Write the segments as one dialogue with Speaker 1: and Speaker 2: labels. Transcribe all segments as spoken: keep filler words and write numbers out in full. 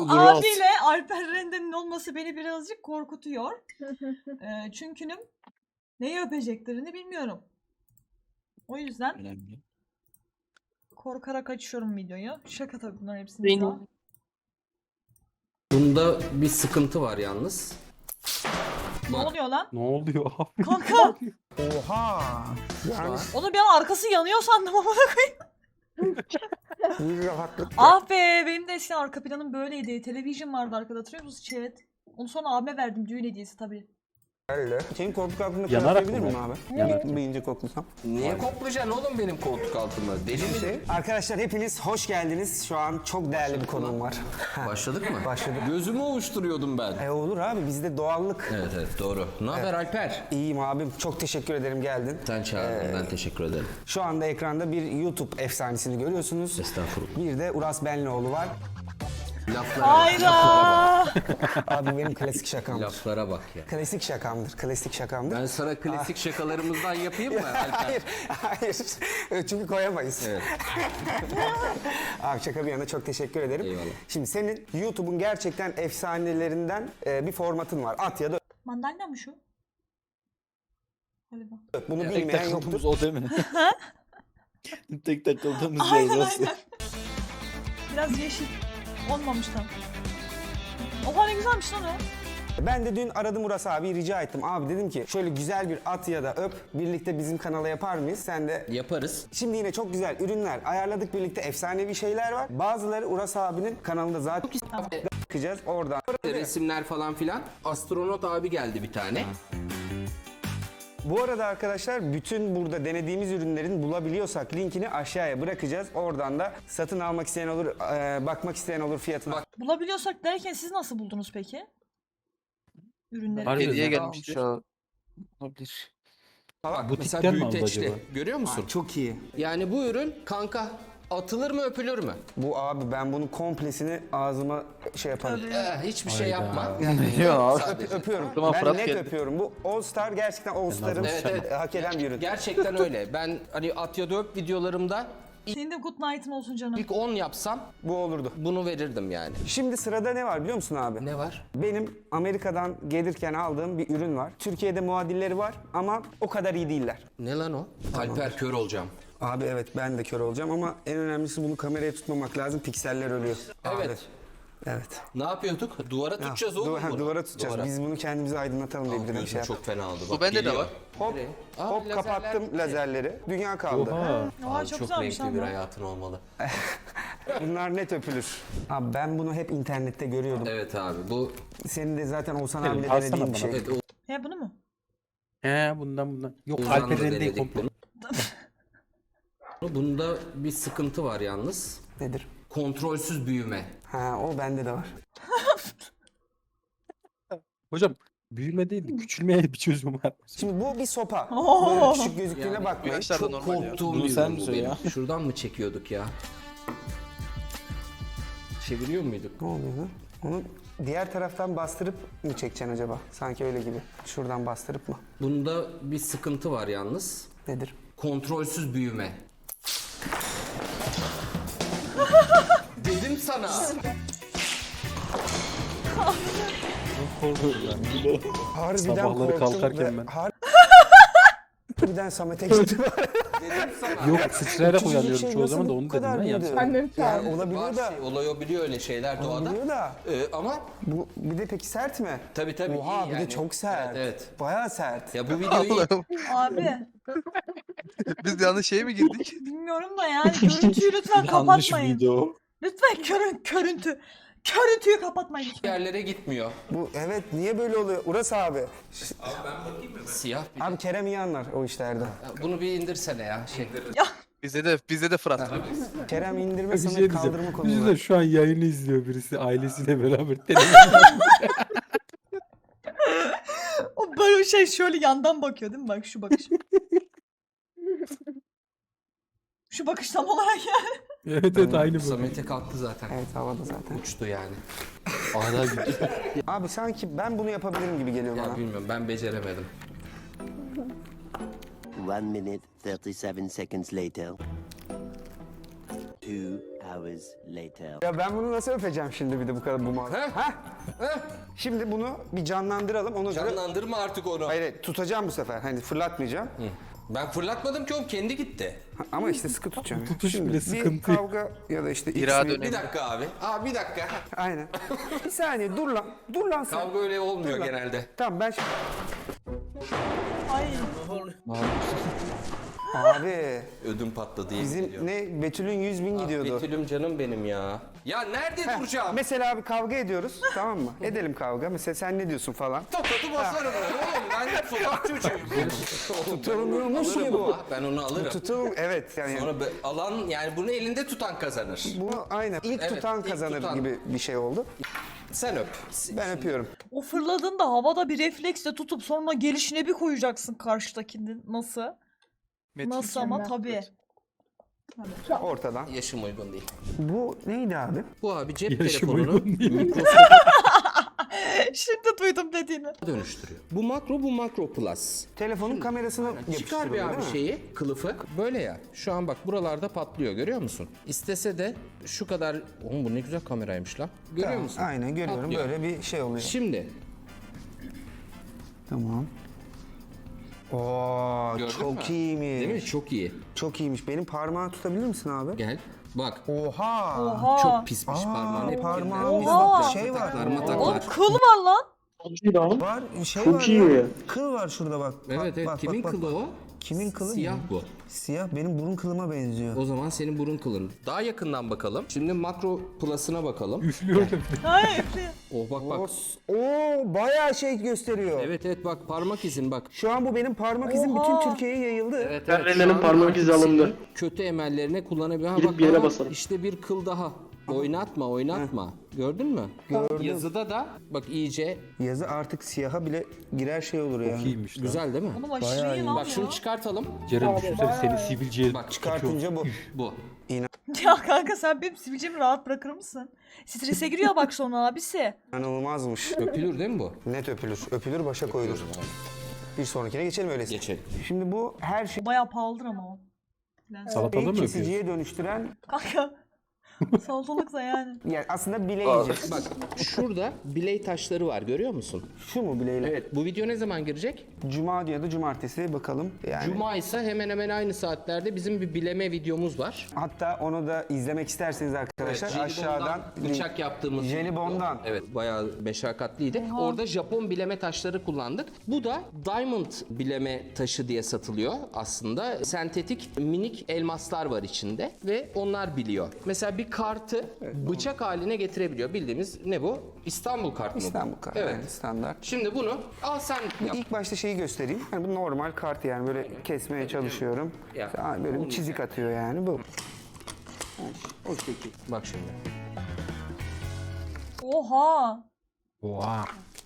Speaker 1: abiyle Alper Rende'nin olması beni birazcık korkutuyor. Ee, çünkü neyi öpeceklerini bilmiyorum. O yüzden
Speaker 2: Önemli.
Speaker 1: korkarak açıyorum videoyu. Şaka tabii bunların hepsini daha.
Speaker 3: Bunda bir sıkıntı var yalnız.
Speaker 1: Ne oluyor lan?
Speaker 4: Ne oluyor abi?
Speaker 1: Kanka!
Speaker 5: Oha. Yani
Speaker 1: Onu bir an arkası yanıyor sandım ama.
Speaker 5: bir rahatlık.
Speaker 1: Ah be, benim de eskiden arka planım böyleydi. Televizyon vardı arkada, hatırlıyor musunuz chat? Onu sonra abime verdim, düğün hediyesi tabii.
Speaker 5: Senin koltuk altında
Speaker 4: Yanarak
Speaker 5: koklayabilir
Speaker 4: mı?
Speaker 5: miyim abi?
Speaker 4: Yanarak.
Speaker 5: Bir ince koklasam.
Speaker 3: Niye koklayacaksın oğlum benim koltuk altında? Deli mi?
Speaker 5: Şey, arkadaşlar hepiniz hoş geldiniz. Şu an çok değerli bir konuğum var.
Speaker 3: Başladık mı?
Speaker 5: Başladık.
Speaker 3: Gözümü ovuşturuyordum ben.
Speaker 5: E olur abi, bizde doğallık.
Speaker 3: Evet evet doğru. Ne haber Alper?
Speaker 5: İyiyim abim. Çok teşekkür ederim geldin.
Speaker 3: Sen çağırdın, ben teşekkür ederim.
Speaker 5: Şu anda ekranda bir YouTube efsanesini görüyorsunuz.
Speaker 3: Estağfurullah.
Speaker 5: Bir de Uras Benlioğlu var.
Speaker 3: Laflara bak.
Speaker 1: Hayda!
Speaker 5: Abi benim klasik şakamdır.
Speaker 3: Laflara bak ya.
Speaker 5: Klasik şakamdır. Klasik şakamdır.
Speaker 3: Ben sana klasik şakalarımızdan yapayım mı Alper?
Speaker 5: Hayır, hayır. Çünkü koyamayız.
Speaker 3: Evet.
Speaker 5: Abi şaka bir yana çok teşekkür ederim.
Speaker 3: Eyvallah.
Speaker 5: Şimdi senin YouTube'un gerçekten efsanelerinden e, bir formatın var. At ya da
Speaker 1: Mandalina mı şu? Galiba.
Speaker 5: öp. Bunu
Speaker 2: Tek
Speaker 5: bilmeyen
Speaker 2: takıldığımız
Speaker 5: yoktur.
Speaker 2: o değil mi? Tek takıldığımız
Speaker 1: Aynen
Speaker 2: yer orası.
Speaker 1: aynen. Biraz yeşil. Olmamış tam. Oha ne güzelmiş lan o.
Speaker 5: Ben de dün aradım Uras abi, rica ettim. Abi dedim ki şöyle güzel bir at ya da öp birlikte bizim kanala yapar mıyız? Sen de
Speaker 3: Yaparız.
Speaker 5: şimdi yine çok güzel ürünler ayarladık, birlikte efsanevi şeyler var. Bazıları Uras abinin kanalında zaten bakacağız oradan.
Speaker 3: Resimler falan filan. Astronot abi geldi bir tane.
Speaker 5: Bu arada arkadaşlar bütün burada denediğimiz ürünlerin bulabiliyorsak linkini aşağıya bırakacağız. Oradan da satın almak isteyen olur, e, bakmak isteyen olur fiyatına.
Speaker 3: Bak.
Speaker 1: Bulabiliyorsak derken siz nasıl buldunuz peki? Ürünleri.
Speaker 4: Harbiden
Speaker 2: Hediye
Speaker 4: ne
Speaker 2: gelmiştir. Olabilir.
Speaker 3: Bak
Speaker 4: Butikten
Speaker 3: mesela
Speaker 4: mi aldı
Speaker 3: büyüteçli.
Speaker 4: acaba?
Speaker 3: Görüyor musun?
Speaker 5: Çok iyi.
Speaker 3: Yani bu ürün kanka atılır mı öpülür mü?
Speaker 5: Bu abi ben bunun komplesini ağzıma şey yaparım.
Speaker 1: Tabii.
Speaker 3: Eh, hiçbir şey
Speaker 4: Hayda.
Speaker 3: yapma.
Speaker 2: Yok abi.
Speaker 3: Sadece.
Speaker 5: Öpüyorum.
Speaker 2: Tamam,
Speaker 5: ben
Speaker 2: Fırat
Speaker 5: net
Speaker 2: geldi.
Speaker 5: öpüyorum. Bu All Star gerçekten All Star'ın
Speaker 3: Evet, evet.
Speaker 5: hak eden bir ürün.
Speaker 3: Gerçekten öyle. Ben hani at ya da öp videolarımda
Speaker 1: Senin de good night'ın olsun canım.
Speaker 3: ilk on yapsam
Speaker 5: Bu olurdu.
Speaker 3: bunu verirdim yani.
Speaker 5: Şimdi sırada ne var biliyor musun abi?
Speaker 3: Ne var?
Speaker 5: Benim Amerika'dan gelirken aldığım bir ürün var. Türkiye'de muadilleri var ama o kadar iyi değiller.
Speaker 3: Ne lan o? Alper kör olacağım.
Speaker 5: Abi evet ben de kör olacağım ama en önemlisi bunu kameraya tutmamak lazım. Pikseller ölüyor.
Speaker 3: Evet.
Speaker 5: Abi, evet.
Speaker 3: Ne yapıyorduk? Duvara tutacağız oğlum
Speaker 5: Duva- ha,
Speaker 3: bunu.
Speaker 5: Duvara tutacağız.
Speaker 3: Duvara.
Speaker 5: Biz bunu kendimizi aydınlatalım diye bir de bir
Speaker 3: Gözüm
Speaker 5: şey yaptık.
Speaker 3: çok fena oldu.
Speaker 2: Bu bende de var.
Speaker 5: Hop,
Speaker 3: Nereye? Aa,
Speaker 5: hop
Speaker 3: lazerler
Speaker 5: kapattım
Speaker 3: bitti.
Speaker 5: lazerleri. Dünya kaldı.
Speaker 4: Oha.
Speaker 1: Oha
Speaker 3: Abi
Speaker 1: çok,
Speaker 3: çok
Speaker 1: güzelmiş
Speaker 3: renkli
Speaker 1: lan
Speaker 3: bir
Speaker 1: bu.
Speaker 3: hayatın olmalı.
Speaker 5: Bunlar net öpülür. Abi ben bunu hep internette görüyordum.
Speaker 3: Evet abi bu
Speaker 5: Senin de zaten Oğuzhan
Speaker 4: Evet,
Speaker 5: abiyle
Speaker 4: alsana
Speaker 5: denediğin bir
Speaker 4: bana.
Speaker 5: şey.
Speaker 3: evet,
Speaker 1: He bunu mu?
Speaker 4: He bundan bundan. Yok
Speaker 3: Ozan'la
Speaker 4: Alper Rende'yi
Speaker 3: denedik
Speaker 4: komple.
Speaker 3: bunu. Bunda bir sıkıntı var yalnız.
Speaker 5: Nedir?
Speaker 3: Kontrolsüz büyüme.
Speaker 5: Ha o bende de var.
Speaker 4: Hocam büyüme değil de küçülmeye bir çözüm var.
Speaker 5: Şimdi bu bir sopa.
Speaker 1: Oo.
Speaker 5: Böyle küçük gözüktüğüne
Speaker 3: Yani
Speaker 5: bakmayın.
Speaker 2: Yaşlar da
Speaker 3: Çok
Speaker 2: normal ya.
Speaker 3: korktuğum
Speaker 4: Bunu
Speaker 3: bir
Speaker 4: sen
Speaker 3: ürün bu
Speaker 4: söyle
Speaker 3: benim.
Speaker 4: ya.
Speaker 3: Şuradan mı çekiyorduk ya? Çeviriyor muyduk?
Speaker 5: Ne oluyor lan? Onu diğer taraftan bastırıp mı çekeceksin acaba? Sanki öyle gibi. Şuradan bastırıp mı?
Speaker 3: Bunda bir sıkıntı var yalnız.
Speaker 5: Nedir?
Speaker 3: Kontrolsüz büyüme. Dedim sana.
Speaker 4: Korkuyorum ben.
Speaker 5: Harbiden
Speaker 4: Sabahları
Speaker 5: korktum
Speaker 4: kalkarken
Speaker 5: ve
Speaker 4: ben.
Speaker 5: har- Harbiden Samet'e gitti.
Speaker 3: Dedim sana.
Speaker 4: Yok sıçrayarak
Speaker 5: Küçücük
Speaker 4: uyanıyorum
Speaker 5: şey
Speaker 4: çoğu
Speaker 5: nasıl
Speaker 4: zaman da
Speaker 5: bu
Speaker 4: onu dedim
Speaker 5: kadar
Speaker 4: ben
Speaker 5: büyüdü?
Speaker 4: yapsam.
Speaker 6: Annem
Speaker 5: Yani
Speaker 6: çağırdı.
Speaker 5: olabiliyor
Speaker 3: Var
Speaker 5: da.
Speaker 3: şey, olabiliyor öyle şeyler doğada.
Speaker 5: Olabiliyor da.
Speaker 3: Ee, ama
Speaker 5: Bu bir de peki sert mi?
Speaker 3: tabii tabii
Speaker 5: Oha
Speaker 3: iyi
Speaker 5: bir
Speaker 3: yani.
Speaker 5: de çok sert.
Speaker 3: Evet, evet.
Speaker 5: Bayağı sert.
Speaker 3: Ya bu videoyu
Speaker 2: Allah'ım.
Speaker 1: Abi
Speaker 2: Biz yanlış şeye mi girdik?
Speaker 1: bilmiyorum da yani görüntüyü lütfen
Speaker 4: Yanlış
Speaker 1: kapatmayın.
Speaker 4: video.
Speaker 1: Lütfen körün, körüntü. Körüntüyü kapatmayın lütfen.
Speaker 3: yerlere gitmiyor.
Speaker 5: Bu evet niye böyle oluyor? Uras abi.
Speaker 3: Siyah bir
Speaker 5: Abi Kerem iyi anlar o işlerde.
Speaker 3: Ya bunu bir indirsene ya. Şey.
Speaker 2: Bizde de bizde de Fırat.
Speaker 5: Kerem indirme
Speaker 4: Bir
Speaker 5: Samet
Speaker 4: şey
Speaker 5: kaldırma
Speaker 4: diyeceğim.
Speaker 5: konusu.
Speaker 4: Düşünsene şu an yayını izliyor birisi ailesiyle beraber.
Speaker 1: O böyle şey şöyle yandan bakıyor değil mi? Bak şu bakış. Şu bakış tam olarak yani.
Speaker 4: Evet evet aynı bu.
Speaker 3: Samet'e kalktı zaten.
Speaker 5: Evet havada zaten.
Speaker 3: Uçtu yani.
Speaker 4: Hala gidiyor.
Speaker 5: Abi sanki ben bunu yapabilirim gibi geliyor
Speaker 3: Ya
Speaker 5: bana.
Speaker 3: bilmiyorum ben beceremedim.
Speaker 7: One minute, thirty-seven seconds later. Two
Speaker 6: hours later.
Speaker 5: Ya ben bunu nasıl öpeceğim şimdi bir de bu kadar bu mal.
Speaker 3: Heh.
Speaker 5: Heh.
Speaker 3: Heh.
Speaker 5: Şimdi bunu bir canlandıralım. Ona göre...
Speaker 3: Canlandırma artık onu.
Speaker 5: Hayır, hayır, tutacağım bu sefer. Hani fırlatmayacağım.
Speaker 3: Ben fırlatmadım ki oğlum, kendi gitti.
Speaker 5: Ha, ama işte sıkı tutacağım.
Speaker 4: Tutuş
Speaker 5: Şimdi
Speaker 4: bile
Speaker 5: bir
Speaker 4: sıkıntı.
Speaker 5: kavga ya da işte
Speaker 2: İrade
Speaker 5: bir-
Speaker 2: önemli.
Speaker 3: Bir dakika abi. Abi bir dakika.
Speaker 5: Aynen. Bir saniye dur lan. Dur lan sen.
Speaker 3: Kavga öyle olmuyor
Speaker 5: Dur lan.
Speaker 3: genelde.
Speaker 5: Tamam ben şimdi...
Speaker 1: Ay.
Speaker 5: Abi
Speaker 3: Ödüm patladı yemin
Speaker 5: bizim
Speaker 3: ediyorum.
Speaker 5: ne Betül'ün yüz bin gidiyordu.
Speaker 3: Betül'üm canım benim ya. Ya nerede
Speaker 5: Heh,
Speaker 3: duracağım?
Speaker 5: Mesela abi kavga ediyoruz tamam mı? Edelim kavga. Mesela sen ne diyorsun falan.
Speaker 3: Tokadı basarım ben oğlum. Ben sokak çocuğuyum.
Speaker 5: Tutulmuyormuş
Speaker 3: Alırım
Speaker 5: ki bu.
Speaker 3: ama, Ben onu alırım.
Speaker 5: Tutul evet yani.
Speaker 3: Sonra be- alan yani bunu elinde tutan kazanır.
Speaker 5: Bunu aynen ilk
Speaker 3: Evet,
Speaker 5: tutan
Speaker 3: ilk
Speaker 5: kazanır
Speaker 3: tutan.
Speaker 5: gibi bir şey oldu.
Speaker 3: Sen öp.
Speaker 5: Ben öpüyorum.
Speaker 1: O fırladığında havada bir refleksle tutup sonra gelişine bir koyacaksın karşıdakinin. Nasıl?
Speaker 2: Metin.
Speaker 1: Nasıl ama tabii.
Speaker 5: Ortadan.
Speaker 3: Yaşım uygun değil.
Speaker 5: Bu neydi abi?
Speaker 3: Bu abi cep
Speaker 4: Yaşım
Speaker 3: telefonunu
Speaker 4: uygun değil.
Speaker 3: Microsoft'a
Speaker 1: Şimdi duydum dediğini.
Speaker 3: dönüştürüyor. Bu makro, bu makro plus.
Speaker 5: Telefonun kamerasına
Speaker 3: Çıkar bir
Speaker 5: yapıştırılıyor
Speaker 3: abi
Speaker 5: değil mi?
Speaker 3: şeyi, kılıfı. Böyle ya. Şu an bak buralarda patlıyor, görüyor musun? İstese de şu kadar... Oğlum bu ne güzel kameraymış lan. Görüyor
Speaker 5: Tamam,
Speaker 3: musun?
Speaker 5: aynen görüyorum
Speaker 3: Patlıyor.
Speaker 5: böyle bir şey oluyor.
Speaker 3: Şimdi
Speaker 5: Tamam. Oo
Speaker 3: gördün
Speaker 5: çok
Speaker 3: mü?
Speaker 5: iyiymiş.
Speaker 3: Değil mi? Çok iyi.
Speaker 5: Çok iyiymiş. Benim parmağı tutabilir misin abi?
Speaker 3: Gel. Bak.
Speaker 5: Oha.
Speaker 1: Oha.
Speaker 3: Çok pismiş
Speaker 5: Aa,
Speaker 3: parmağın. Hep
Speaker 5: parmağımızda
Speaker 1: Oha.
Speaker 5: şey var.
Speaker 3: Taklar, mataklar.
Speaker 1: Oğlum kıl var lan.
Speaker 5: Var şey var ya. Kıl var şurada bak. Bak,
Speaker 3: Evet evet.
Speaker 5: bak,
Speaker 3: Kimin
Speaker 5: bak, bak,
Speaker 3: kılı
Speaker 5: bak.
Speaker 3: o?
Speaker 5: Kimin kılı?
Speaker 3: Siyah bu.
Speaker 5: Siyah benim burun kılıma benziyor.
Speaker 3: O zaman senin burun kılın. Daha yakından bakalım. Şimdi makro plus'ına bakalım.
Speaker 4: Üflüyor.
Speaker 1: Ay üflüyor.
Speaker 3: Oh bak bak.
Speaker 5: Oo bayağı şey gösteriyor.
Speaker 3: Evet evet bak parmak izin bak.
Speaker 5: Şu an bu benim parmak izim
Speaker 1: Oha.
Speaker 5: bütün Türkiye'ye yayıldı.
Speaker 3: Evet,
Speaker 7: Ben
Speaker 3: evet,
Speaker 7: Renne'nin
Speaker 3: şu an
Speaker 7: parmak izi
Speaker 3: senin
Speaker 7: alındı.
Speaker 3: Kötü emellerine kullanabiliyor. Ha,
Speaker 7: Gidip
Speaker 3: bak,
Speaker 7: bir yere
Speaker 3: aha,
Speaker 7: basarım.
Speaker 3: İşte bir kıl daha. Oynatma oynatma. Gördün mü?
Speaker 5: Gördüm.
Speaker 3: Yazıda da bak iyice
Speaker 5: Yazı artık siyaha bile girer şey olur yani.
Speaker 4: Çok iyiymiş lan.
Speaker 3: güzel değil mi?
Speaker 1: Oğlum aşırı iyi lan
Speaker 3: Bak şunu
Speaker 1: ya.
Speaker 3: çıkartalım.
Speaker 4: Ceren düşünsene seni sivilceye
Speaker 3: Bak
Speaker 5: Çıkartınca bu.
Speaker 3: Bu.
Speaker 1: Ya kanka sen benim sivilcemi rahat bırakır mısın? Strese giriyor bak sonra abisi.
Speaker 5: İnanılmazmış.
Speaker 3: Öpülür değil mi bu?
Speaker 5: Net öpülür. Öpülür başa koyulur. Bir sonrakine geçelim öyleyse.
Speaker 3: Geçelim.
Speaker 5: Şimdi bu her şeyi
Speaker 1: Bayağı pahalıdır ama o. Lens.
Speaker 4: salatalı mı öpüyorsun?
Speaker 5: kesiciye dönüştüren
Speaker 1: Kanka. Salatalıksa yani.
Speaker 5: yani aslında bileyici.
Speaker 3: Bak şurada biley taşları var görüyor musun?
Speaker 5: Şu mu bileyle?
Speaker 3: Evet bu video ne zaman girecek?
Speaker 5: Cuma ya da cumartesi bakalım. Yani
Speaker 3: Cuma ise hemen hemen aynı saatlerde bizim bir bileme videomuz var.
Speaker 5: hatta onu da izlemek isterseniz arkadaşlar
Speaker 3: Jelibondan
Speaker 5: aşağıdan
Speaker 3: bıçak yaptığımız
Speaker 5: Jelibondan.
Speaker 3: Evet bayağı meşakkatliydi. Orada Japon bileme taşları kullandık. Bu da diamond bileme taşı diye satılıyor aslında. Sentetik minik elmaslar var içinde ve onlar biliyor. Mesela bir kartı bıçak haline getirebiliyor. Bildiğimiz ne bu? İstanbul kartı mı? bu?
Speaker 5: İstanbul kartı.
Speaker 3: Evet.
Speaker 5: yani standart.
Speaker 3: Şimdi bunu al sen yap.
Speaker 5: İlk başta şeyi göstereyim. Hani bu normal kart yani böyle kesmeye çalışıyorum.
Speaker 3: Ya.
Speaker 5: Aa, böyle bir çizik atıyor yani bu. O şekil.
Speaker 3: Bak şimdi.
Speaker 1: Oha.
Speaker 4: Oha.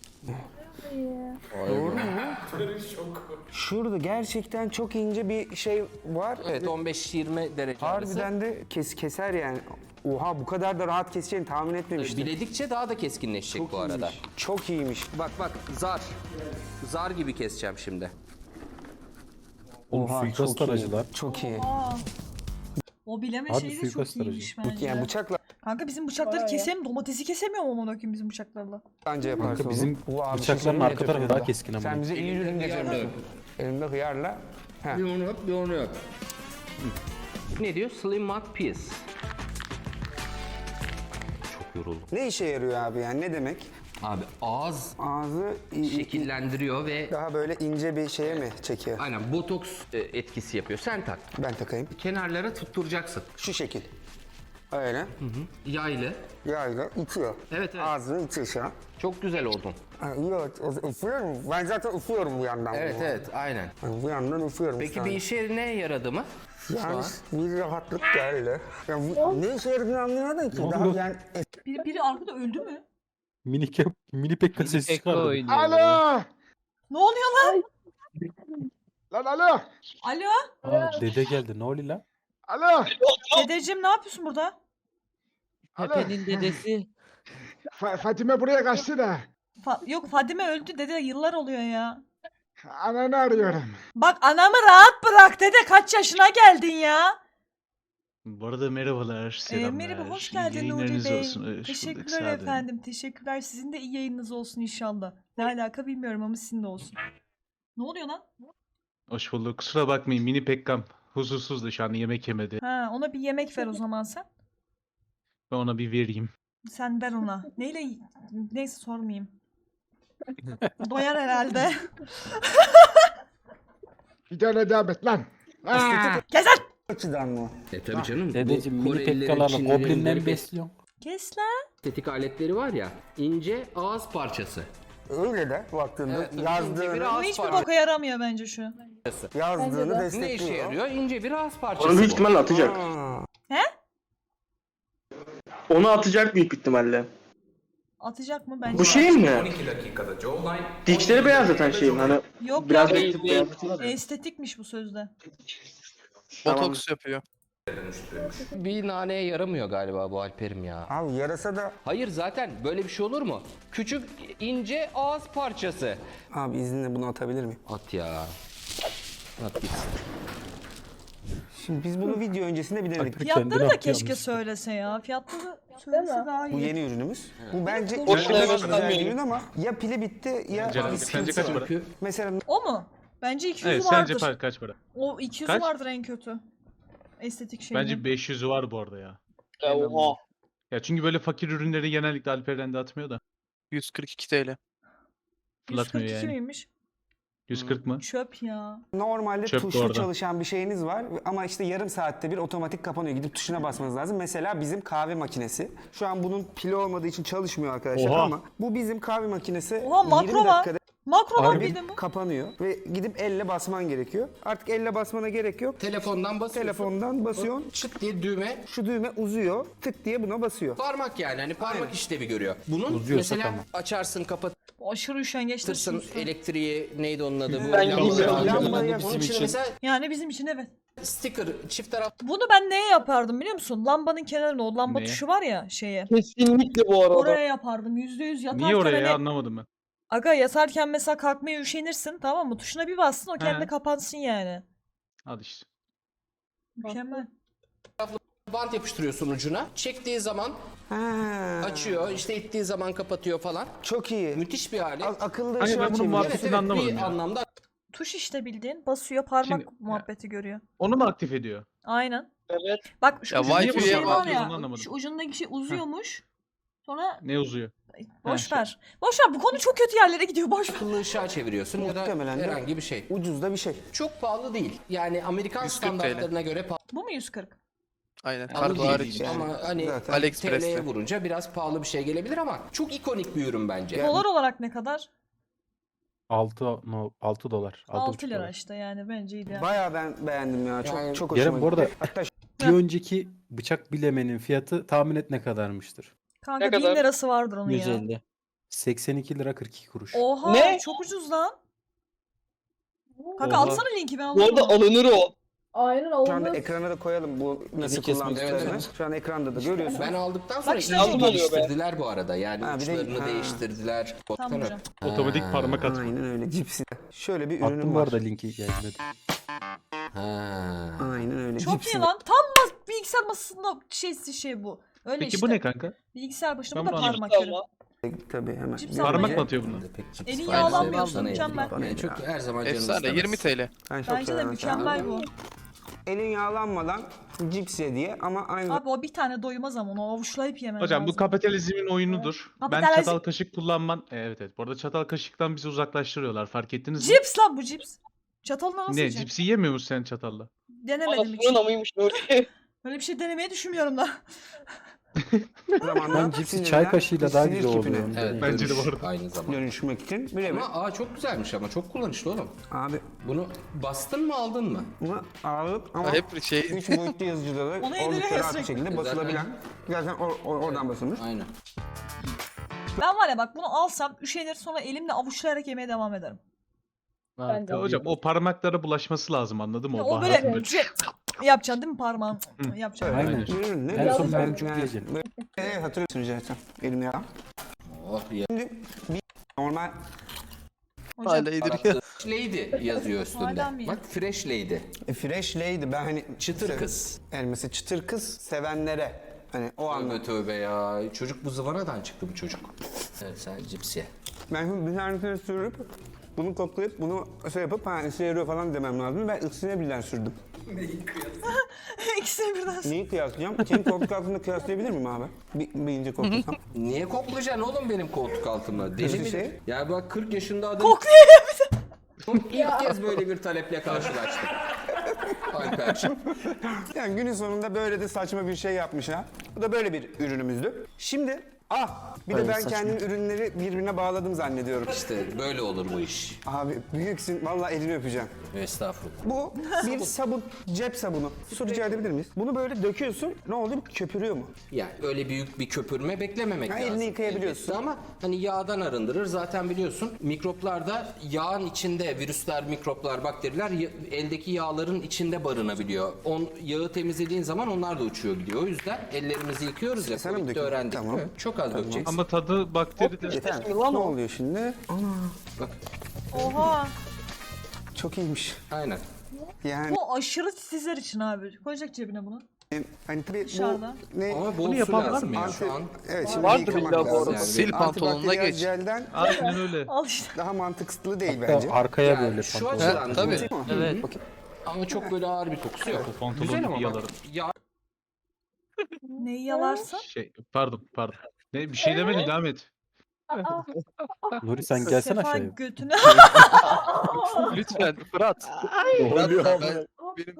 Speaker 5: Doğru mu? Şurada gerçekten çok ince bir şey var.
Speaker 3: Evet on beş yirmi derece arası.
Speaker 5: Harbiden de kes, keser yani. Oha bu kadar da rahat keseceğini tahmin etmemiştim.
Speaker 3: Biledikçe daha da keskinleşecek bu arada.
Speaker 5: iyiymiş. Çok iyiymiş.
Speaker 3: Bak bak zar. Zar gibi keseceğim şimdi.
Speaker 4: Oğlum
Speaker 5: Oha,
Speaker 4: suikast
Speaker 5: çok iyi.
Speaker 4: aracılar.
Speaker 5: Çok iyi.
Speaker 1: Aa. O bileme
Speaker 4: Harbi
Speaker 1: şeyi de
Speaker 4: suikast
Speaker 1: çok iyiymiş
Speaker 4: aracı.
Speaker 1: bence.
Speaker 5: Yani bıçakla
Speaker 1: Kanka bizim bıçakları kesem domatesi kesemiyorum ama bakayım bizim bıçaklarla.
Speaker 5: anca yaparsın
Speaker 4: Kanka bizim
Speaker 5: onu. Bu abi
Speaker 4: bıçakların
Speaker 5: şey
Speaker 4: arka
Speaker 5: net
Speaker 4: tarafı
Speaker 5: öpüyor
Speaker 4: daha
Speaker 5: da.
Speaker 4: keskin ama.
Speaker 5: Sen bize iyi ürün
Speaker 3: Elimde hıyarla
Speaker 5: getiriyorsun. Elimde hıyarla. Heh.
Speaker 3: Bir onu yap, bir onu yap. Ne diyor? Slim Mat Piece. Çok yoruldum.
Speaker 5: Ne işe yarıyor abi yani ne demek?
Speaker 3: Abi ağız
Speaker 5: Ağzı i- i-
Speaker 3: şekillendiriyor ve
Speaker 5: daha böyle ince bir şeye mi çekiyor?
Speaker 3: aynen botoks e, etkisi yapıyor. Sen tak.
Speaker 5: Ben takayım.
Speaker 3: Kenarlara tutturacaksın.
Speaker 5: Şu şekil. Öyle.
Speaker 3: Yaylı.
Speaker 5: Yayla itiyor.
Speaker 3: Evet, evet.
Speaker 5: Ağzını itiyor şu an.
Speaker 3: Çok güzel oldun.
Speaker 5: Ha, evet, o- üflüyorum. Ben zaten üflüyorum bu yandan.
Speaker 3: Evet
Speaker 5: bunu.
Speaker 3: evet aynen.
Speaker 5: Yani bu yandan üflüyorum.
Speaker 3: Peki
Speaker 5: şu
Speaker 3: bir
Speaker 5: an.
Speaker 3: işe ne yaradı mı?
Speaker 5: Yani bir rahatlık geldi. Yani bu, ne işe yaradığını anlayamadım ki. Daha
Speaker 4: oldu?
Speaker 5: yani
Speaker 1: Biri, biri arkada öldü mü?
Speaker 4: Mini, ke- mini pekka sesi çıkardı.
Speaker 8: Alo!
Speaker 1: Ne oluyor lan?
Speaker 8: Lan alo!
Speaker 1: Alo?
Speaker 4: Aa, dede geldi ne oluyor lan?
Speaker 8: Alo!
Speaker 1: Dedeciğim ne yapıyorsun burada?
Speaker 8: Pepe'nin dedesi. Fa- Fatime buraya kaçtı da.
Speaker 1: Fa- Yok Fadime öldü dede yıllar oluyor ya.
Speaker 8: Ananı arıyorum.
Speaker 1: Bak anamı rahat bırak dede kaç yaşına geldin ya?
Speaker 6: Bu arada merhabalar,
Speaker 1: Ee,
Speaker 6: selamlar.
Speaker 1: merhaba, hoş
Speaker 6: İyi
Speaker 1: geldin Nuri
Speaker 6: yayınlarınız
Speaker 1: Bey.
Speaker 6: olsun. Hoş bulduk,
Speaker 1: Teşekkürler
Speaker 6: sağ olun.
Speaker 1: efendim, teşekkürler. Sizin de iyi yayınınız olsun inşallah. Ne alaka bilmiyorum ama sizin de olsun. Ne oluyor lan?
Speaker 6: Hoş bulduk. Kusura bakmayın, mini Pekkam huzursuz da şu an yemek yemedi.
Speaker 1: Ha, ona bir yemek ver o zaman sen.
Speaker 6: Ben ona bir vereyim.
Speaker 1: Sen ver ona. Neyle? Neyse sormayayım. Doyar herhalde.
Speaker 8: Bir tane devam et lan. Aa!
Speaker 1: Gezer!
Speaker 5: Açıdan mı?
Speaker 3: E tabii canım.
Speaker 4: Dedeciğim
Speaker 3: bu
Speaker 4: mini
Speaker 3: Korelilerin,
Speaker 4: pekkalarla
Speaker 3: Çinlilerin
Speaker 4: goblinleri
Speaker 3: böyle
Speaker 4: besliyorsun.
Speaker 1: Kes lan.
Speaker 3: estetik aletleri var ya, ince ağız parçası.
Speaker 5: Öyle de baktığında
Speaker 3: Evet, tabii. İnce bir
Speaker 5: yazdığını,
Speaker 1: Bu
Speaker 3: ağız
Speaker 1: hiçbir
Speaker 3: parçası.
Speaker 1: boka yaramıyor bence şu.
Speaker 5: yazdığını
Speaker 3: Ne
Speaker 5: destekliyor.
Speaker 3: işe yarıyor? İnce bir ağız parçası.
Speaker 7: Onu büyük
Speaker 3: bu.
Speaker 7: ihtimalle atacak.
Speaker 5: Aa,
Speaker 7: Onu atacak büyük ihtimalle.
Speaker 1: Atacak mı bence?
Speaker 7: Bu şey mi? Dişleri beyaz zaten şeyin hani
Speaker 1: Yok
Speaker 7: biraz
Speaker 1: ya.
Speaker 7: bir beyaz.
Speaker 1: Estetikmiş bu sözde.
Speaker 7: Tamam.
Speaker 2: Botoks yapıyor.
Speaker 3: Bir naneye yaramıyor galiba bu Alper'im ya.
Speaker 5: abi yarasa da
Speaker 3: Hayır zaten böyle bir şey olur mu? Küçük ince ağız parçası.
Speaker 5: abi izninle bunu atabilir miyim?
Speaker 3: At ya. At gitsin.
Speaker 5: Şimdi biz bunu video öncesinde bir denedik.
Speaker 4: Kendini
Speaker 1: Fiyatları da
Speaker 4: atıyormuş.
Speaker 1: keşke söylese ya. Fiyatları söylese daha
Speaker 5: Bu
Speaker 1: iyi.
Speaker 5: yeni ürünümüz. Bu bence
Speaker 1: O
Speaker 5: çok
Speaker 7: evet,
Speaker 5: güzel
Speaker 7: evet.
Speaker 5: bir ürün ama ya pili bitti ya
Speaker 6: Sence-
Speaker 5: bir
Speaker 6: sence
Speaker 5: sıkıntısı
Speaker 6: kaç
Speaker 5: var.
Speaker 6: para?
Speaker 5: Mesela
Speaker 1: O mu? Bence iki yüzü
Speaker 6: Evet,
Speaker 1: vardır.
Speaker 6: sence par- kaç para?
Speaker 1: O iki yüzü
Speaker 6: Kaç?
Speaker 1: vardır en kötü. Estetik şeyin.
Speaker 6: Bence beş yüzü var bu arada ya.
Speaker 7: Oha.
Speaker 6: Ya çünkü böyle fakir ürünleri genellikle Alper'den de atmıyor da.
Speaker 2: yüz kırk iki TL.
Speaker 6: Fırlatmıyor
Speaker 1: yüz kırk iki
Speaker 6: yani.
Speaker 1: miymiş?
Speaker 6: yüz kırk mı?
Speaker 1: Çöp ya.
Speaker 5: normalde
Speaker 6: Çöp bu
Speaker 5: tuşlu
Speaker 6: arada.
Speaker 5: çalışan bir şeyiniz var ama işte yarım saatte bir otomatik kapanıyor. Gidip tuşuna basmanız lazım. Mesela bizim kahve makinesi. Şu an bunun pili olmadığı için çalışmıyor arkadaşlar
Speaker 6: Oha.
Speaker 5: ama bu bizim kahve makinesi
Speaker 1: Oha, makro
Speaker 5: yirmi
Speaker 1: var.
Speaker 5: dakikada
Speaker 1: Makro var
Speaker 5: bir
Speaker 1: bildin mi?
Speaker 5: kapanıyor ve gidip elle basman gerekiyor. Artık elle basmana gerek yok.
Speaker 3: Telefondan basıyorsun.
Speaker 5: Telefondan basıyorsun.
Speaker 3: Çıt diye düğme.
Speaker 5: Şu düğme uzuyor. Tık diye buna basıyor.
Speaker 3: Parmak yani hani parmak işlevi görüyor. Bunun
Speaker 4: Uzuyorsa
Speaker 3: mesela
Speaker 4: tamam.
Speaker 3: açarsın kapatırsın
Speaker 1: Bu aşırı üşengeçtir.
Speaker 3: elektriği neydi onun adı bu?
Speaker 7: Ben
Speaker 3: Lamba-
Speaker 7: bilmiyorum.
Speaker 5: Lambayı
Speaker 3: Onun için
Speaker 7: için.
Speaker 3: mesela
Speaker 1: Yani bizim için evet.
Speaker 3: sticker çift taraf
Speaker 1: Bunu ben neye yapardım biliyor musun? Lambanın kenarına o lamba
Speaker 6: Neye?
Speaker 1: tuşu var ya şeye.
Speaker 7: Kesinlikle bu arada.
Speaker 1: Oraya yapardım. Yüzde yüz yatarken
Speaker 6: Niye oraya
Speaker 1: hani-
Speaker 6: ya anlamadım ben.
Speaker 1: Aga yatarken mesela kalkmaya üşenirsin tamam mı? Tuşuna bir bassın o kendi
Speaker 6: He.
Speaker 1: kapansın yani.
Speaker 6: Al işte.
Speaker 1: Mükemmel.
Speaker 3: bant yapıştırıyorsun ucuna. Çektiği zaman
Speaker 5: Ha,
Speaker 3: açıyor, işte ittiği zaman kapatıyor falan.
Speaker 5: çok iyi.
Speaker 3: Müthiş bir alet.
Speaker 5: A- akıllı
Speaker 6: Hani
Speaker 5: ışığa
Speaker 6: ben bunun
Speaker 5: çeviriyor.
Speaker 6: muhabbeti-
Speaker 3: Evet,
Speaker 6: Aslında
Speaker 3: evet,
Speaker 6: anlamadım
Speaker 3: bir
Speaker 6: ya.
Speaker 3: anlamda
Speaker 1: Tuş işte bildiğin basıyor parmak
Speaker 6: Şimdi-
Speaker 1: muhabbeti görüyor.
Speaker 6: Onu mu aktif ediyor?
Speaker 1: Aynen.
Speaker 7: Evet.
Speaker 1: Bak şu
Speaker 2: Ya
Speaker 1: ucundaki
Speaker 2: Wi-Fi'ye
Speaker 1: şey var
Speaker 6: bağlıyorsun,
Speaker 1: ya.
Speaker 6: anlamadım.
Speaker 1: Şu ucundaki şey uzuyormuş. Sonra
Speaker 6: Ne uzuyor?
Speaker 1: boş
Speaker 6: şey.
Speaker 1: ver. Boş ver bu konu çok kötü yerlere gidiyor boş ver.
Speaker 3: akıllı ışığa çeviriyorsun ya da
Speaker 5: Muhtemelen de-
Speaker 3: herhangi bir şey.
Speaker 5: Ucuz da bir şey.
Speaker 3: Çok pahalı değil. Yani Amerikan
Speaker 2: yüz kırk TL.
Speaker 3: standartlarına göre
Speaker 1: Bu mu yüz kırk?
Speaker 2: Aynen.
Speaker 3: pahalı
Speaker 2: Kargo
Speaker 3: değil.
Speaker 2: hariç.
Speaker 5: yani.
Speaker 3: Ama hani
Speaker 5: Zaten
Speaker 3: T
Speaker 2: AliExpress'te.
Speaker 3: L'ye vurunca biraz pahalı bir şey gelebilir ama çok ikonik bir ürün bence.
Speaker 1: Dolar olarak ne kadar?
Speaker 4: altı no, altı dolar.
Speaker 1: altı lira
Speaker 4: dolar.
Speaker 1: işte yani bence ideal.
Speaker 5: Bayağı ben beğendim ya. Çok
Speaker 3: Yani-
Speaker 5: çok hoşuma
Speaker 4: Yarın bu arada
Speaker 5: gitti. Hatta
Speaker 4: bir önceki bıçak bilemenin fiyatı tahmin et ne kadarmıştır?
Speaker 1: Kanka
Speaker 7: Ne
Speaker 1: bin
Speaker 7: kadar?
Speaker 1: lirası vardır onun ya.
Speaker 4: yüz elli. seksen iki lira kırk iki kuruş.
Speaker 1: Oha
Speaker 7: Ne?
Speaker 1: çok ucuz lan. Kanka
Speaker 6: Oha.
Speaker 1: atsana linki ben
Speaker 7: Bu arada
Speaker 1: alırım.
Speaker 7: alınır o.
Speaker 9: Aynen
Speaker 5: şu anda
Speaker 9: olmaz.
Speaker 5: ekrana da koyalım bu nasıl
Speaker 4: kesmek
Speaker 5: kullandıklarını.
Speaker 3: Evet,
Speaker 5: Şu an ekranda da görüyorsun.
Speaker 3: Ben aldıktan sonra
Speaker 1: işte
Speaker 3: iyice
Speaker 1: bu
Speaker 7: oluyor be.
Speaker 3: geliştirdiler bu arada. Yani
Speaker 5: Ha, bir de-
Speaker 3: uçlarını
Speaker 5: ha.
Speaker 3: değiştirdiler.
Speaker 1: Tamam
Speaker 3: Baksana.
Speaker 1: hocam.
Speaker 6: Otomatik
Speaker 3: Ha.
Speaker 6: parmak atma.
Speaker 5: Aynen öyle cipsi. Şöyle bir ürünüm
Speaker 4: Attım bu
Speaker 5: var.
Speaker 4: arada linki gelmedi.
Speaker 3: Ha.
Speaker 5: Aynen öyle.
Speaker 1: Çok
Speaker 5: cipsi.
Speaker 1: iyi lan. Tam mas bilgisayar masasında şeysi şey bu. Öyle
Speaker 6: Peki
Speaker 1: işte.
Speaker 6: bu ne kanka?
Speaker 1: Bilgisayar başında
Speaker 6: Ben
Speaker 1: bu da
Speaker 6: bunu
Speaker 1: parmak
Speaker 7: Ama
Speaker 1: yeri.
Speaker 5: Tabii hemen.
Speaker 1: Cips
Speaker 6: Parmak
Speaker 1: almayı-
Speaker 6: mı atıyor bunu?
Speaker 3: Pek cips
Speaker 1: Elin
Speaker 3: falan
Speaker 1: yağlanmıyor,
Speaker 3: sevmem,
Speaker 1: mükemmel.
Speaker 3: sana yani çok her zaman canım
Speaker 2: Efsane.
Speaker 3: istemez.
Speaker 2: yirmi TL.
Speaker 5: Ben çok
Speaker 1: Bence de
Speaker 5: severim
Speaker 1: mükemmel bu.
Speaker 5: Elin yağlanmadan cips ye diye ama aynı
Speaker 1: Abi o bir tane doymaz ama onu avuçlayıp yemen
Speaker 6: Hocam bu
Speaker 1: lazım.
Speaker 6: kapitalizmin oyunudur. Ben
Speaker 1: Kapitalizm-
Speaker 6: çatal kaşık kullanman... Evet evet. Bu arada çatal kaşıktan bizi uzaklaştırıyorlar. Fark ettiniz mi?
Speaker 1: Cips lan bu cips. Çatalla nasıl
Speaker 6: Ne?
Speaker 1: yiyeceksin?
Speaker 6: Cipsi yemiyor musun sen çatalla?
Speaker 1: Denemedim hiç.
Speaker 7: Anasının amıymış Nuri.
Speaker 1: Böyle bir şey denemeyi düşünmüyorum da.
Speaker 5: zamanda
Speaker 4: Ben cipsi
Speaker 5: sinirden
Speaker 4: çay kaşığıyla daha
Speaker 5: sinir
Speaker 4: güzel
Speaker 5: küpüne
Speaker 4: oluyor.
Speaker 3: Evet,
Speaker 6: Bence de
Speaker 3: dönüş
Speaker 6: bu arada.
Speaker 3: aynı zamanda.
Speaker 5: dönüşmek için birebir.
Speaker 3: Ama aa çok güzelmiş ama çok kullanışlı oğlum.
Speaker 5: Abi
Speaker 3: Bunu bastın mı aldın mı?
Speaker 5: bunu ağırlık ama
Speaker 2: Hep şey
Speaker 5: üç boyutlu yazıcıda da
Speaker 1: Onu indiriyor
Speaker 5: oldukça
Speaker 1: ya
Speaker 5: rahat bir
Speaker 1: sürekli.
Speaker 5: şekilde basılabilen. Zaten or- or- oradan basılmış.
Speaker 3: Aynen.
Speaker 1: Ben var ya bak bunu alsam üşenir sonra elimle avuçlayarak yemeye devam ederim.
Speaker 9: Ben de.
Speaker 6: Ya hocam o parmaklara bulaşması lazım anladın mı?
Speaker 1: Ya
Speaker 6: O,
Speaker 1: o
Speaker 6: baharatın
Speaker 1: böyle
Speaker 6: böyle.
Speaker 1: şey, yapacaksın değil mi parmağın? Yapacaksın.
Speaker 4: Aynen.
Speaker 5: Ürün ne?
Speaker 4: En son
Speaker 5: güzel.
Speaker 4: ben çok
Speaker 5: Yani
Speaker 4: yiyeceğim.
Speaker 5: böyle- Evet hatırlıyorsunuz zaten. Elim yalan.
Speaker 3: Oh ya.
Speaker 5: Şimdi bir normal
Speaker 1: Hocam
Speaker 2: Hala yediriyor.
Speaker 3: Lady yazıyor üstünde.
Speaker 1: Hala mı?
Speaker 3: Bak Fresh Lady.
Speaker 5: E, fresh lady ben hani
Speaker 3: Çıtır
Speaker 5: sev-
Speaker 3: kız.
Speaker 5: Yani mesela çıtır kız sevenlere hani o
Speaker 3: Tövbe
Speaker 5: anlamda.
Speaker 3: tövbe ya. Çocuk bu zıvanadan çıktı bu çocuk. Evet sen cipsi.
Speaker 5: Ben şimdi bir tanesini sürüp bunu koklayıp bunu şey yapıp ha işe yarıyor falan demem lazım. Ben ikisine birden sürdüm.
Speaker 1: İkisini birden.
Speaker 5: Neyi kıyaslayacağım? Senin koltuk altında kıyaslayabilir miyim abi? Bir, bir ince koklasam.
Speaker 3: Niye koklayacaksın oğlum benim koltuk altımda? Deli mi?
Speaker 5: Şey.
Speaker 3: Ya bak kırk yaşında adam...
Speaker 1: Kokluyor ya bir de.
Speaker 3: İlk kez böyle bir taleple karşılaştım. Alperciğim.
Speaker 5: Yani günün sonunda böyle de saçma bir şey yapmış ha. Bu da böyle bir ürünümüzdü. Şimdi ah bir de
Speaker 4: Öyle
Speaker 5: ben
Speaker 4: saçma.
Speaker 5: kendim ürünleri birbirine bağladım zannediyorum.
Speaker 3: İşte böyle olur bu iş.
Speaker 5: Abi büyüksün vallahi elini öpeceğim.
Speaker 3: Estağfurullah.
Speaker 5: Bu bir sabun, cep sabunu. Su rica edebilir miyiz? Bunu böyle döküyorsun. Ne oluyor? Köpürüyor mu?
Speaker 3: Yani öyle büyük bir köpürme beklememek
Speaker 5: Ha,
Speaker 3: lazım.
Speaker 5: elini yıkayabiliyorsun.
Speaker 3: Elbette ama hani yağdan arındırır. Zaten biliyorsun mikroplar da yağın içinde virüsler, mikroplar, bakteriler ya- eldeki yağların içinde barınabiliyor. On, yağı temizlediğin zaman onlar da uçuyor gidiyor. O yüzden ellerimizi yıkıyoruz ya.
Speaker 5: Sana mı
Speaker 3: Covid'de
Speaker 5: dökeyim?
Speaker 3: öğrendik.
Speaker 5: Tamam.
Speaker 3: Evet, çok az dökeceksin.
Speaker 6: Ama tadı bakteri de.
Speaker 5: Yeter. Ne oluyor şimdi?
Speaker 1: Oha.
Speaker 5: Çok iyiymiş.
Speaker 3: Aynen.
Speaker 5: Yani
Speaker 1: Bu aşırı titizler için abi. Koyacak cebine bunu.
Speaker 5: hani tabii
Speaker 1: Dışarıda.
Speaker 5: bu ne?
Speaker 3: Ama bol su
Speaker 4: yapan var
Speaker 3: lazım
Speaker 4: mı
Speaker 3: ya
Speaker 5: ya?
Speaker 3: şu an.
Speaker 5: Evet şimdi
Speaker 4: Vardır
Speaker 5: yıkamak
Speaker 4: illa bu
Speaker 5: lazım.
Speaker 4: arada.
Speaker 2: Sil pantolonuna
Speaker 5: Antibakteriyel
Speaker 2: geç.
Speaker 5: jelden
Speaker 6: Aynen öyle.
Speaker 1: Al işte.
Speaker 5: daha mantıklı değil bence.
Speaker 4: Arkaya
Speaker 3: Yani
Speaker 4: böyle
Speaker 3: şu
Speaker 4: pantolon.
Speaker 3: açıdan
Speaker 2: tabii.
Speaker 3: değil mi?
Speaker 2: Evet.
Speaker 3: Ama çok böyle ağır bir kokusu yok.
Speaker 6: Pantolonu
Speaker 3: Güzel ama bak.
Speaker 6: yalarım.
Speaker 3: Ya
Speaker 1: Neyi yalarsın?
Speaker 6: Şey, pardon pardon. Ne bir şey demedin devam et.
Speaker 9: Aa,
Speaker 4: Nuri sen gelsene
Speaker 1: Sefa
Speaker 4: aşağıya.
Speaker 1: götüne.
Speaker 2: Lütfen Fırat.
Speaker 4: Ne oluyor
Speaker 2: Ben,
Speaker 4: abi?
Speaker 2: ben, benim,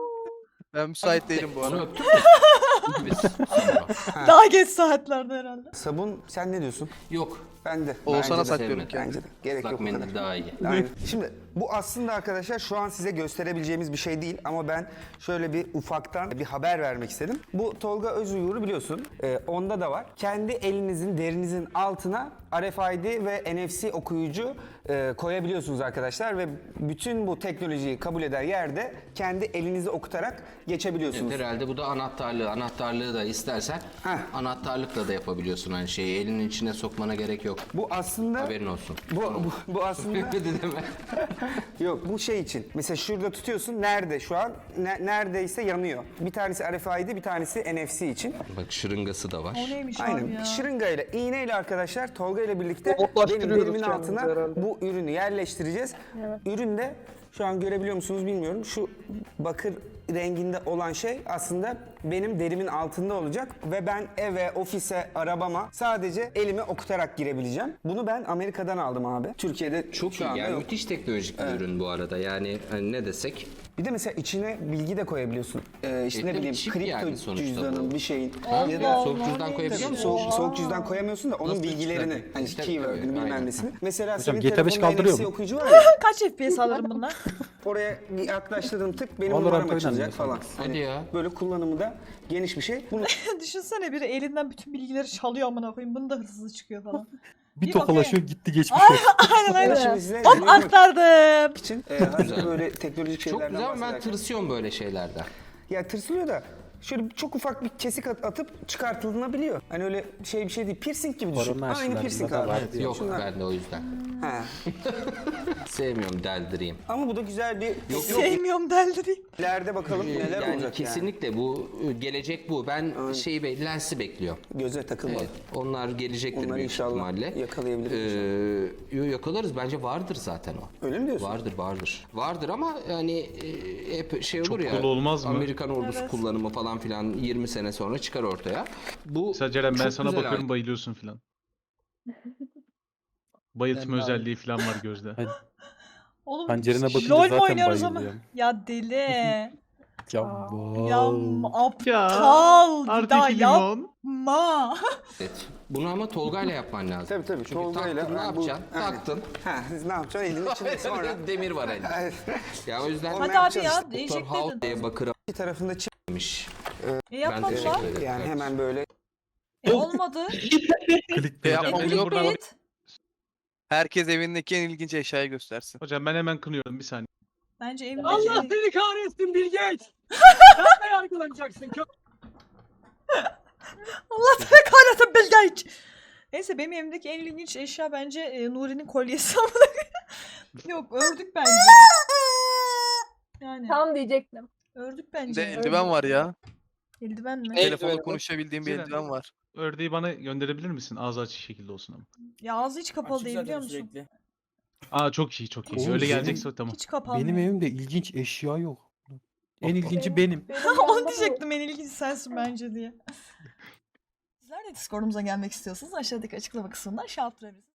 Speaker 2: ben müsait değilim bu
Speaker 3: onu
Speaker 2: arada.
Speaker 3: öptük mü? Biz sonra.
Speaker 1: Daha geç saatlerde herhalde.
Speaker 5: Sabun sen ne diyorsun?
Speaker 3: Yok.
Speaker 5: Ben de.
Speaker 2: Oğuzhan'a
Speaker 5: Bence de.
Speaker 2: saklıyorum
Speaker 3: sevmedim.
Speaker 2: kendimi.
Speaker 5: Bence de. Gerek
Speaker 3: Islak
Speaker 5: yok bu kadar.
Speaker 3: mendil daha iyi.
Speaker 5: Aynen. Şimdi bu aslında arkadaşlar şu an size gösterebileceğimiz bir şey değil ama ben şöyle bir ufaktan bir haber vermek istedim. Bu Tolga Özuyur'u biliyorsun. Ee, onda da var. Kendi elinizin, derinizin altına R F I D ve N F C okuyucu e, koyabiliyorsunuz arkadaşlar ve bütün bu teknolojiyi kabul eder yerde kendi elinizi okutarak geçebiliyorsunuz.
Speaker 3: Evet, herhalde bu da anahtarlığı. Anahtarlığı da istersen
Speaker 5: Heh.
Speaker 3: anahtarlıkla da yapabiliyorsun aynı şeyi. Elinin içine sokmana gerek yok.
Speaker 5: Bu aslında
Speaker 3: Haberin olsun.
Speaker 5: bu, bu, bu aslında
Speaker 3: Dedi deme.
Speaker 5: yok bu şey için. Mesela şurada tutuyorsun. Nerede şu an? Ne- neredeyse yanıyor. Bir tanesi R F I D, bir tanesi N F C için.
Speaker 3: Bak şırıngası da var.
Speaker 1: O neymiş abi
Speaker 5: Aynen.
Speaker 1: ya?
Speaker 5: Şırıngayla, iğneyle arkadaşlar Tolga ile birlikte benim
Speaker 4: Robotlaştırıyoruz
Speaker 5: derimin
Speaker 4: kendimizi
Speaker 5: altına
Speaker 4: herhalde.
Speaker 5: bu ürünü yerleştireceğiz. Ürün de şu an görebiliyor musunuz bilmiyorum. Şu bakır renginde olan şey aslında benim derimin altında olacak ve ben eve, ofise, arabama sadece elimi okutarak girebileceğim. Bunu ben Amerika'dan aldım abi. Türkiye'de
Speaker 3: Çok
Speaker 5: şu
Speaker 3: iyi.
Speaker 5: anda
Speaker 3: Yani
Speaker 5: yok.
Speaker 3: müthiş teknolojik bir ürün bu arada. Yani hani ne desek.
Speaker 5: Bir de mesela içine bilgi de koyabiliyorsun. Ee, işte
Speaker 3: E,
Speaker 5: ne
Speaker 3: tabii
Speaker 5: bileyim
Speaker 3: çip
Speaker 5: kripto
Speaker 3: yani sonuçta
Speaker 5: cüzdanın
Speaker 3: bu.
Speaker 5: bir şeyin.
Speaker 3: Ha,
Speaker 5: Ya
Speaker 3: bir
Speaker 5: da
Speaker 3: soğuk
Speaker 1: Allah,
Speaker 3: cüzdan
Speaker 1: neymiş
Speaker 3: koyabiliyor
Speaker 1: ya?
Speaker 3: musun?
Speaker 5: Soğuk, soğuk cüzdan koyamıyorsun da onun
Speaker 3: Nasıl
Speaker 5: bilgilerini,
Speaker 3: çıkartıyor?
Speaker 5: hani
Speaker 3: İşte
Speaker 5: keyword'ünü
Speaker 3: tabii,
Speaker 5: bilmem
Speaker 3: aynen.
Speaker 5: nesini. Mesela
Speaker 4: Hocam
Speaker 5: senin
Speaker 4: G T beş
Speaker 5: telefonunda
Speaker 4: kaldırıyor
Speaker 5: N F C
Speaker 4: mu?
Speaker 5: okuyucu var ya,
Speaker 1: Kaç F P S alırım bunlar?
Speaker 5: oraya yaklaştırdığım tık benim
Speaker 4: Valorant
Speaker 5: numaram
Speaker 4: oynanıyor
Speaker 5: açılacak falan.
Speaker 3: Hadi
Speaker 5: Hani
Speaker 3: ya.
Speaker 5: böyle kullanımı da geniş bir şey. Bunu
Speaker 1: Düşünsene biri elinden bütün bilgileri çalıyor amına koyayım. Bunu da hırsız çıkıyor falan.
Speaker 4: Bir
Speaker 1: Bir
Speaker 4: tokalaşıyor
Speaker 1: bakayım.
Speaker 4: gitti geçmiş.
Speaker 1: Aynen aynen.
Speaker 5: şimdi size
Speaker 1: Hop
Speaker 5: dinlemek
Speaker 1: aktardım.
Speaker 5: için e, hazır böyle teknolojik
Speaker 3: Çok
Speaker 5: şeylerden
Speaker 3: güzel ama ben
Speaker 5: bahsederken.
Speaker 3: tırsıyorum böyle şeylerden.
Speaker 5: Ya tırsılıyor da şöyle çok ufak bir kesik at- atıp çıkartılabiliyor. Hani öyle şey bir şey değil. Piercing gibi düşün.
Speaker 4: Korona
Speaker 5: Aynı
Speaker 4: aşılarında
Speaker 5: piercing
Speaker 4: da
Speaker 5: abi.
Speaker 4: var.
Speaker 5: Evet,
Speaker 3: Yok
Speaker 5: şunlar.
Speaker 3: ben de o yüzden.
Speaker 5: Ha.
Speaker 3: Sevmiyorum deldireyim.
Speaker 5: Ama bu da güzel bir yok,
Speaker 1: Sevmiyorum deldireyim.
Speaker 5: ileride bakalım neler
Speaker 3: yani
Speaker 5: olacak
Speaker 3: kesinlikle bu gelecek bu. Ben şeyi be, lensi bekliyorum.
Speaker 5: yani. Göze takılmadı.
Speaker 3: Evet, onlar gelecektir
Speaker 5: Onları
Speaker 3: büyük
Speaker 5: inşallah
Speaker 3: ihtimalle.
Speaker 5: yakalayabiliriz
Speaker 3: Ee, yo, yakalarız. Bence vardır zaten o.
Speaker 5: Öyle mi diyorsun?
Speaker 3: Vardır vardır. Vardır ama yani e, hep şey olur
Speaker 6: Çok
Speaker 3: ya.
Speaker 6: cool olmaz mı?
Speaker 3: Amerikan ordusu
Speaker 1: Evet.
Speaker 3: kullanımı falan filan yirmi sene sonra çıkar ortaya. Bu
Speaker 6: Mesela Ceren ben
Speaker 3: çok
Speaker 6: sana
Speaker 3: güzel
Speaker 6: bakıyorum
Speaker 3: alet.
Speaker 6: bayılıyorsun filan. Bayıltma özelliği falan var gözde.
Speaker 1: Oğlum
Speaker 4: Pencerene bakınca
Speaker 1: LOL mu
Speaker 4: zaten
Speaker 1: oynuyoruz ama?
Speaker 4: bayılıyorum.
Speaker 1: Ya deli.
Speaker 4: Ya
Speaker 1: ya
Speaker 4: bal.
Speaker 1: aptal. Bir
Speaker 6: Artık
Speaker 1: daha
Speaker 6: limon.
Speaker 1: yapma.
Speaker 3: Evet. Bunu ama Tolga'yla yapman lazım.
Speaker 5: Tabii tabii.
Speaker 3: Çünkü
Speaker 5: Tolga'yla
Speaker 3: taktın ne
Speaker 5: ben bu-
Speaker 3: yapacaksın?
Speaker 5: Aynen.
Speaker 3: Taktın.
Speaker 5: Ha, siz ne yapacaksın? Elinin içinde sonra.
Speaker 3: Demir var elinde.
Speaker 5: Evet.
Speaker 3: Ya o yüzden
Speaker 5: Onu
Speaker 1: Hadi
Speaker 5: ne
Speaker 1: abi
Speaker 5: yapacağız
Speaker 1: ya
Speaker 5: işte?
Speaker 3: Doktor
Speaker 1: değecek
Speaker 3: House
Speaker 1: dedin.
Speaker 3: diye bakır
Speaker 5: İki tarafında
Speaker 3: almış.
Speaker 1: E
Speaker 3: Ben
Speaker 1: yapmadılar.
Speaker 3: teşekkür ederim.
Speaker 5: yani hemen böyle.
Speaker 1: E olmadı.
Speaker 4: Klik
Speaker 1: E
Speaker 6: Hocam,
Speaker 2: yapmam
Speaker 6: benim
Speaker 2: yok.
Speaker 6: buradan-
Speaker 1: clickbait.
Speaker 2: Herkes evindeki en ilginç eşyayı göstersin.
Speaker 6: Hocam ben hemen kınıyorum bir saniye.
Speaker 1: Bence evimde
Speaker 8: Allah
Speaker 1: şey-
Speaker 8: seni kahretsin Bill Gates. Sen de yargılanacaksın. Kö-
Speaker 1: Allah seni kahretsin Bill Gates. Neyse benim evimdeki en ilginç eşya bence e, Nuri'nin kolyesi. Yok ördük bence. Yani
Speaker 9: Tam diyecektim.
Speaker 1: ördük
Speaker 2: Bir
Speaker 1: bence.
Speaker 2: de eldiven var ya.
Speaker 1: Eldiven mi?
Speaker 3: El-
Speaker 2: Telefonla
Speaker 3: Eldiven.
Speaker 2: konuşabildiğim bir
Speaker 6: Güzel.
Speaker 2: eldiven var.
Speaker 6: Ördeği bana gönderebilir misin? Ağzı açık şekilde olsun ama.
Speaker 1: Ya ağzı hiç kapalı değil biliyor musun?
Speaker 6: Aa çok iyi çok iyi.
Speaker 4: Oğlum,
Speaker 6: Öyle
Speaker 4: benim-
Speaker 6: gelecekse tamam.
Speaker 1: Hiç kapanmıyor.
Speaker 4: Benim evimde ilginç eşya yok. En ilginci benim.
Speaker 9: Benim
Speaker 1: Onu
Speaker 9: yanımda bu-
Speaker 1: diyecektim en ilginç sensin bence diye. Sizler de Discord'umuza gelmek istiyorsanız aşağıdaki açıklama kısmından şey yaptırabilirsiniz.